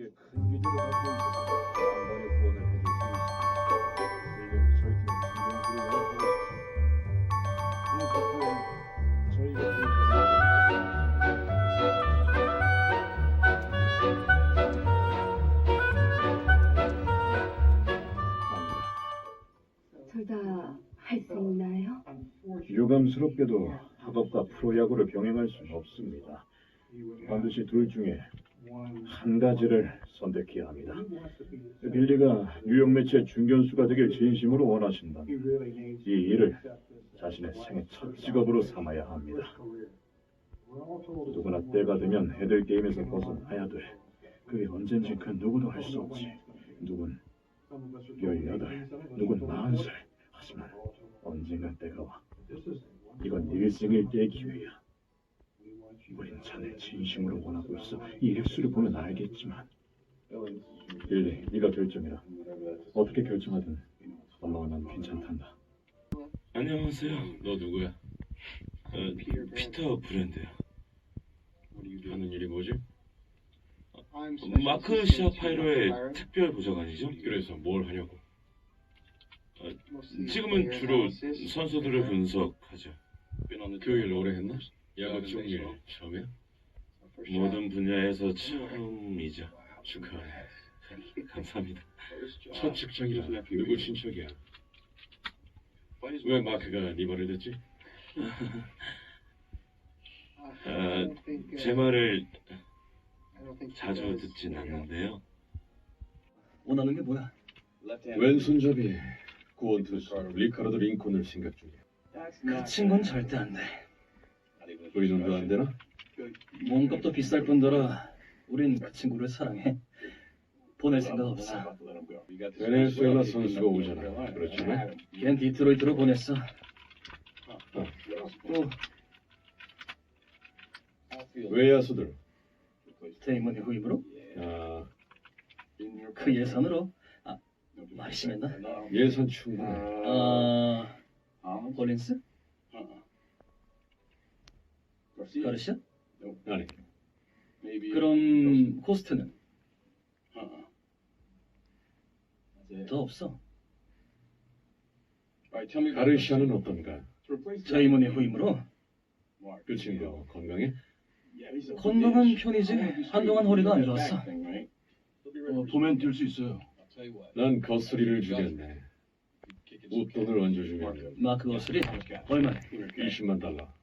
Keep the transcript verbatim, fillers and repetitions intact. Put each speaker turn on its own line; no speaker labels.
우리에게 큰 기대를 갖고 있습니다. 만반의 후원을 해줄 수 있습니다. 내년 저희 팀의 중견수를 영입하고 싶습니다. 이 덕분에 저희가
둘 다 할 수 있나요?
유감스럽게도 학업과 프로야구를 병행할 수는 없습니다. 반드시 둘 중에 한 가지를 선택해야 합니다. 빌리가 뉴욕 매치의 중견수가 되길 진심으로 원하신다면 이 일을 자신의 생애 첫 직업으로 삼아야 합니다. 누구나 때가 되면 애들 게임에서 벗어나야 돼. 그게 언젠지 그 누구도 할 수 없지. 누군 열여덟, 누군 마흔 살. 하지만 언젠가 때가 와. 이건 일생일대의 기회야. 우린 자네 진심으로 원하고 있어. 이 액수를 보면 알겠지만. 빌리, 네가 결정해라. 어떻게 결정하든 엄마와 난 괜찮단다.
안녕하세요. 너 누구야? 어, 피터 브랜드야. 하는 일이 뭐지? 어, 마크 시아파이로의 특별 보좌관이죠? 그래서 뭘 하냐고? 어, 지금은 주로 선수들을 분석하죠. 그 일 오래 했나? 야구 쪽 일 처음이야? 모든 분야에서 처음이죠. 축하해. 감사합니다. 첫 직장이라 누구 친척이야? 왜 마크가 네 말을 듣지? 아, 제 말을 자주 듣진 않는데요.
원하는 게 뭐야?
왼손잡이 구원 투수 리카르도 링컨을 생각 중이야.
그 친구는 절대 안 돼.
의논도 안 되나?
몸값도 비쌀 뿐더러 우린 그 친구를 사랑해. 보낼 생각 없어.
베네수엘라 선수가 오잖아. 그렇지?
걘 디트로이트로 보냈어. 또
외야수들.
데이먼의 후임으로?
아,
그 예산으로? 아, 말이 심했나?
예산 충분해.
아, 홀린스? 가르시아?
아니,
그럼 코스트는? 더 없어.
가르시아는 어떤가?
데이먼의 후임으로?
그 친구 건강해?
건강한 편이지. 한동안 허리가 안 좋았어. 어, 보면 뛸 수 있어요.
난 거스리를 주겠네. 웃돈을 얹어주면
마크 거슬이 얼마네?
이십만 달러.